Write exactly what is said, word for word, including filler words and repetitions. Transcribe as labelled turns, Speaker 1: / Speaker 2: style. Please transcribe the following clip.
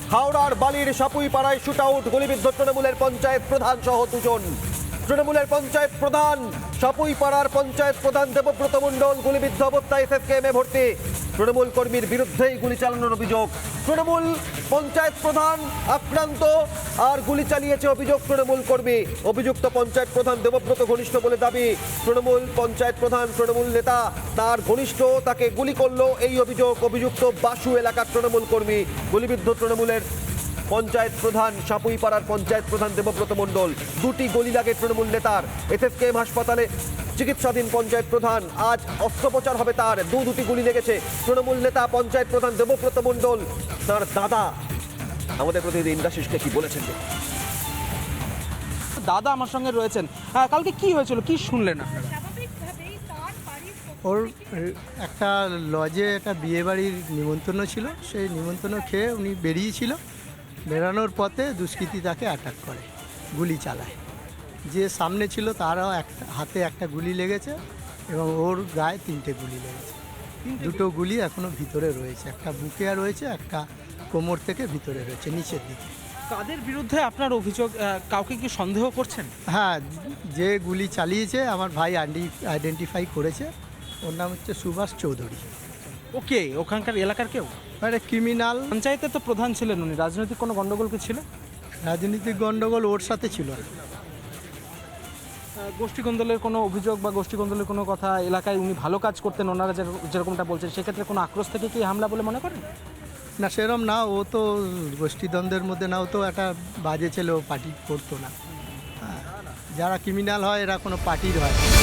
Speaker 1: হাওড়ার বালির সাপুইপাড়ায় shoot out, গুলিবিদ্ধ তৃণমূলের পঞ্চায়েত প্রধান সহ দুজন। তৃণমূলের পঞ্চায়েত প্রধান, সাপুইপাড়ার পঞ্চায়েত প্রধান দেবব্রত মণ্ডল গুলিবিদ্ধ অবস্থায় এসএসকেএমে ভর্তি। তৃণমূল কর্মীর বিরুদ্ধেই গুলি চালানোর অভিযোগ। তৃণমূল পঞ্চায়েত প্রধান আক্রান্ত আর গুলি চালিয়েছে অভিযোগ তৃণমূল কর্মী। অভিযুক্ত পঞ্চায়েত প্রধান দেবব্রত ঘনিষ্ঠ বলে দাবি। তৃণমূল পঞ্চায়েত প্রধান তৃণমূল নেতা, তার ঘনিষ্ঠ তাকে গুলি করলো এই অভিযোগ। অভিযুক্ত বাসু এলাকার তৃণমূল কর্মী। গুলিবিদ্ধ তৃণমূলের পঞ্চায়েত প্রধান, সাপুইপাড়ার পঞ্চায়েত প্রধান দেবব্রত মণ্ডল। দুটি গুলি লাগে তৃণমূল নেতার। এসএসকেএম হাসপাতালে চিকিৎসাধীন পঞ্চায়েত প্রধান, আজ অস্ত্রোপচার হবে তার। দু দুটি গুলি লেগেছে। তৃণমূল নেতা পঞ্চায়েত প্রধান দেবব্রত মণ্ডল, তার দাদা আমাদের প্রতিনিধি ইন্দ্রাশিসকে কি বলেছেন।
Speaker 2: দাদা আমার সঙ্গে রয়েছেন। হ্যাঁ, কালকে কি হয়েছিল, কি শুনলেন আপনারা?
Speaker 3: ওর একটা লজে একটা বিয়েবাড়ির নিমন্ত্রণ ছিল, সেই নিমন্ত্রণ খেয়ে উনি বেরিয়েছিল। বেরানোর পথে দুষ্কৃতী তাকে অ্যাটাক করে, গুলি চালায়। যে সামনে ছিল তারও একটা হাতে একটা গুলি লেগেছে এবং ওর গায়ে তিনটে গুলি লেগেছে। দুটো গুলি এখনও ভিতরে রয়েছে, একটা বুকে রয়েছে, একটা কোমর থেকে ভিতরে রয়েছে নিচের দিকে।
Speaker 2: তাদের বিরুদ্ধে আপনার অভিযোগ, কাউকে কি সন্দেহ করছেন?
Speaker 3: হ্যাঁ, যে গুলি চালিয়েছে আমার ভাই আইডেন্টিফাই করেছে। ওর নাম হচ্ছে সুভাষ চৌধুরী।
Speaker 2: ওকে, ওখানকার এলাকার কেউ?
Speaker 3: মানে ক্রিমিনাল।
Speaker 2: পঞ্চায়েতের তো প্রধান ছিলেন উনি, রাজনৈতিক কোনো গন্ডগোল কি ছিল?
Speaker 3: রাজনৈতিক গন্ডগোল ওর সাথে ছিল।
Speaker 2: গোষ্ঠী কোন্দলের কোনো অভিযোগ বা গোষ্ঠী কোন্দলের কোনো কথা, এলাকায় উনি ভালো কাজ করতেন ওনারা যেরকমটা বলছেন, সেক্ষেত্রে কোনো আক্রোশ থেকে কি হামলা বলে মনে করেন?
Speaker 3: না, সেরম না। ও তো গোষ্ঠীদ্বন্দ্বের মধ্যে না, ও তো একটা বাজে ছেলে, ও পার্টি করতো না। হ্যাঁ, যারা ক্রিমিনাল হয় এরা কোনো পার্টির হয় না।